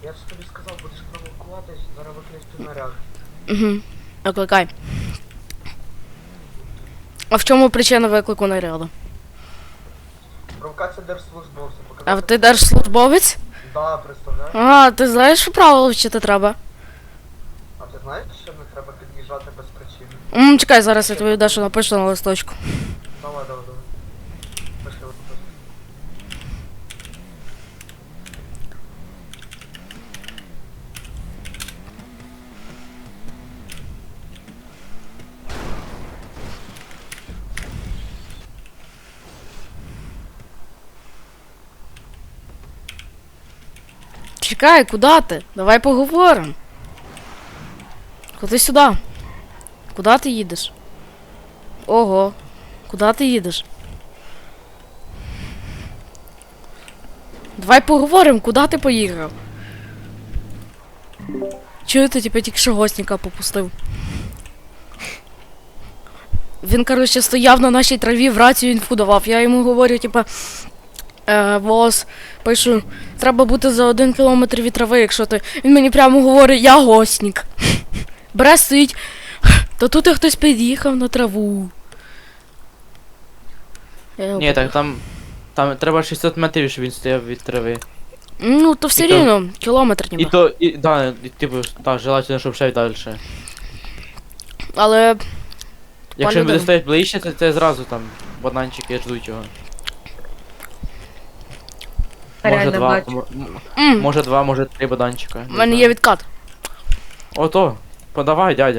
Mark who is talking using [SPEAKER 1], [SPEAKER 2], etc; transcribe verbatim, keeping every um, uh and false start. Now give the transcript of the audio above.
[SPEAKER 1] Я ж тобі сказав, будеш провокувати, зараз викличу наряд.
[SPEAKER 2] Угу. Викликай. А в чому причина виклику наряду?
[SPEAKER 1] Провокація держслужбовця.
[SPEAKER 2] А ти держслужбовець?
[SPEAKER 1] Да, представляєш?
[SPEAKER 2] А, ти знаєш, що правила вчити треба?
[SPEAKER 1] А ти знаєш, що не треба під'їжджати без причини?
[SPEAKER 2] М, чекай, зараз я тобі дещо напишу на листочку.
[SPEAKER 1] Давай, давай, давай. Пиши, от пиши.
[SPEAKER 2] Чекай, куди ти? Давай поговоримо. Ходи сюди. Куди ти їдеш? Ого. Куди ти їдеш? Давай поговоримо, куди ти поїхав? Чую, ти типу тільки що гостника попустив. Він, коротше, стояв на нашій траві, в рацію інфу давав. Я йому говорю, типа, е, бос, пишу, треба бути за один кілометр від трави, якщо ти. Він мені прямо говорить, я гостник. Бере, стоїть. Та тут і хтось під'їхав на траву. Я його
[SPEAKER 3] Ні, так там. Там треба шістсот метрів, щоб він стояв від трави.
[SPEAKER 2] Ну, то все
[SPEAKER 3] І то-
[SPEAKER 2] рівно, кілометр
[SPEAKER 3] І
[SPEAKER 2] ніби.
[SPEAKER 3] то, і, да, і, типу, так, желательно, щоб ще й далі.
[SPEAKER 2] Але
[SPEAKER 3] Якщо він буде
[SPEAKER 2] людина.
[SPEAKER 3] стояти ближче, то це зразу там бананчики ждуть його. Може
[SPEAKER 4] Реально
[SPEAKER 3] два,
[SPEAKER 4] бачу.
[SPEAKER 3] м- м-
[SPEAKER 2] м,
[SPEAKER 3] може два, може три бананчика.
[SPEAKER 2] в мене є відкат.
[SPEAKER 3] Ото, подавай, дядя.